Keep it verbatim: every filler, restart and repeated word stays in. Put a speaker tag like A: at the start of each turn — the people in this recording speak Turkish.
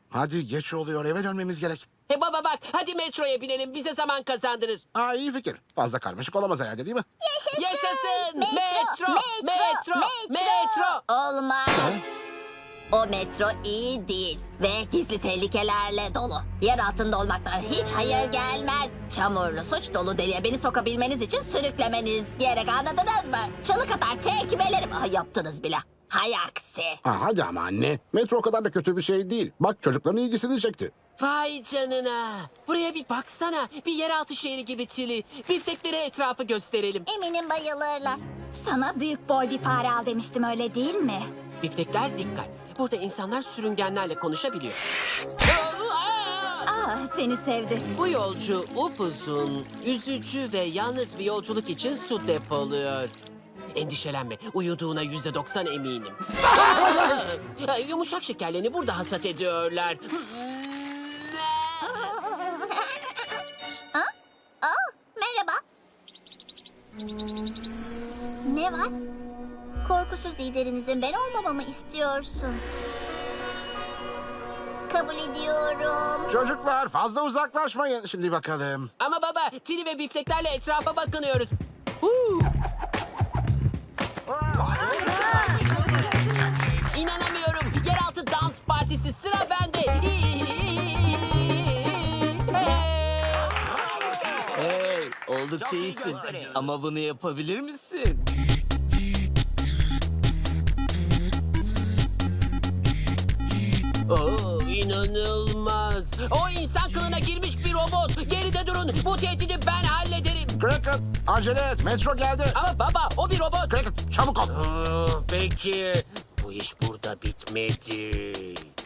A: Hadi geç oluyor, eve dönmemiz gerek.
B: He baba bak, hadi metroya binelim, bize zaman kazandırır.
A: Aa, iyi fikir. Fazla karmaşık olamaz herhalde, değil mi?
B: Yaşasın!
C: Metro,
B: Metro!
C: metro,
B: Metro! Metro!
C: Olmaz. O metro iyi değil ve gizli tehlikelerle dolu. Yer altında olmaktan hiç hayır gelmez. Çamurlu, suç dolu deliğe beni sokabilmeniz için sürüklemeniz gerek, anladınız mı? Çalık atar tekmelerim. Ah, yaptınız bile. Hay aksi.
A: Aa, hadi ama anne. Metro o kadar da kötü bir şey değil. Bak, çocukların ilgisini çekti.
B: Vay canına! Buraya bir baksana. Bir yeraltı şehri gibi Çili. Bifteklere etrafı gösterelim.
C: Eminim bayılırlar.
D: Sana büyük boy bir fare al demiştim, öyle değil mi?
B: Biftekler dikkat. Burada insanlar sürüngenlerle konuşabiliyor.
D: Ah, seni sevdi.
B: Bu yolcu upuzun, üzücü ve yalnız bir yolculuk için su depoluyor. Endişelenme, uyuduğuna yüzde doksan eminim. Aa! Yumuşak şekerlerini burada hasat ediyorlar.
C: Aa, merhaba. Ne var? Korkusuz liderinizin ben olmamamı istiyorsun. Kabul ediyorum.
A: Çocuklar, fazla uzaklaşmayın. Şimdi bakalım.
B: Ama baba, Tini ve bifteklerle etrafa bakınıyoruz. Huu! İnanamıyorum. Yeraltı dans partisi, sıra bende.
E: Hey, oldukça iyisin. Ama bunu yapabilir misin?
B: Oo, inanılmaz. O insan kılığına girmiş bir robot. Geride durun. Bu tehdidi ben hallederim.
A: Cricket, acele et. Metro geldi.
B: Ama baba, o bir robot.
A: Cricket, çabuk ol.
B: Aa, peki. Bu iş burada bitmedi.